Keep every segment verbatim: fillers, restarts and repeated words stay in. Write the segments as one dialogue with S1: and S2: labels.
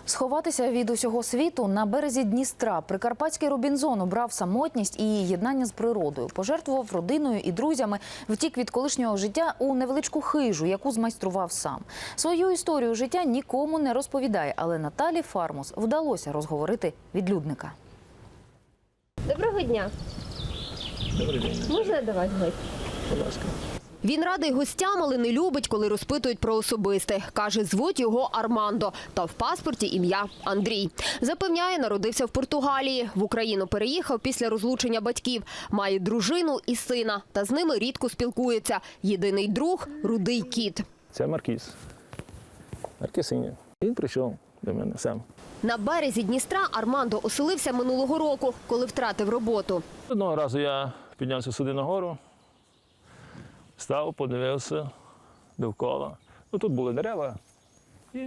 S1: Сховатися від усього світу на березі Дністра прикарпатський Робінзон обрав самотність і єднання з природою. Пожертвував родиною і друзями, втік від колишнього життя у невеличку хижу, яку змайстрував сам. Свою історію життя нікому не розповідає, але Наталі Фармус вдалося розговорити відлюдника.
S2: Доброго дня.
S3: Добрий день.
S2: Можна до вас гості?
S3: Будь ласка.
S4: Він радий гостям, але не любить, коли розпитують про особисте. Каже, звуть його Армандо, та в паспорті ім'я Андрій. Запевняє, народився в Португалії. В Україну переїхав після розлучення батьків. Має дружину і сина, та з ними рідко спілкується. Єдиний друг – рудий кіт.
S3: Це Маркіз. Маркізиня. Він прийшов до мене сам.
S4: На березі Дністра Армандо оселився минулого року, коли втратив роботу.
S3: Одного разу я піднявся сюди нагору, став, подивився довкола. Ну, тут були дерева. І,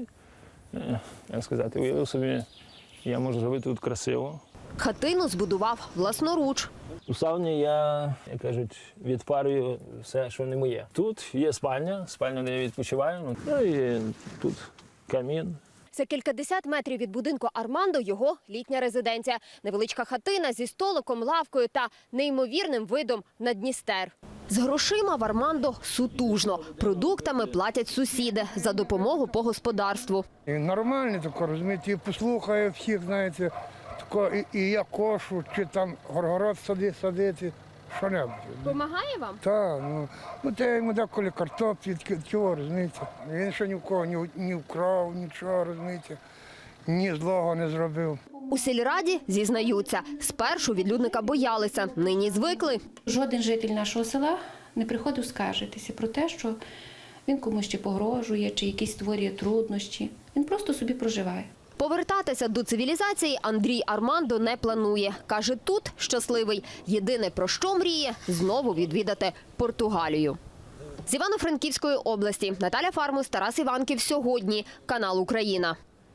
S3: як сказати, уявив собі, я можу зробити тут красиво.
S4: Хатину збудував власноруч.
S3: У сауні я, як кажуть, відпарюю все, що не моє. Тут є спальня, спальня, де я відпочиваю. Ну і тут камін.
S4: За кількадесят метрів від будинку Армандо його літня резиденція. Невеличка хатина зі столиком, лавкою та неймовірним видом на Дністер. З грошима в Армандо сутужно. Продуктами платять сусіди за допомогу по господарству.
S5: І нормальний тако, розумієте, і послухає всіх, знаєте, тако, і, і я кошу, чи там горгород сади, садити, що-небудь.
S4: Помагає вам?
S5: Так, ну, ну те йому деколи картоплі, чого, розумієте. Він ще ні в кого ні, ні вкрав, нічого, розумієте, ні злого не зробив.
S4: У сільраді зізнаються, спершу відлюдника боялися, нині звикли.
S6: Жоден житель нашого села не приходив скаржитися про те, що він комусь чи погрожує, чи якісь створює труднощі. Він просто собі проживає.
S4: Повертатися до цивілізації Андрій Армандо не планує. Каже, тут щасливий. Єдине, про що мріє – знову відвідати Португалію. З Івано-Франківської області Наталя Фармус, Тарас Іванків. Сьогодні. Канал Україна.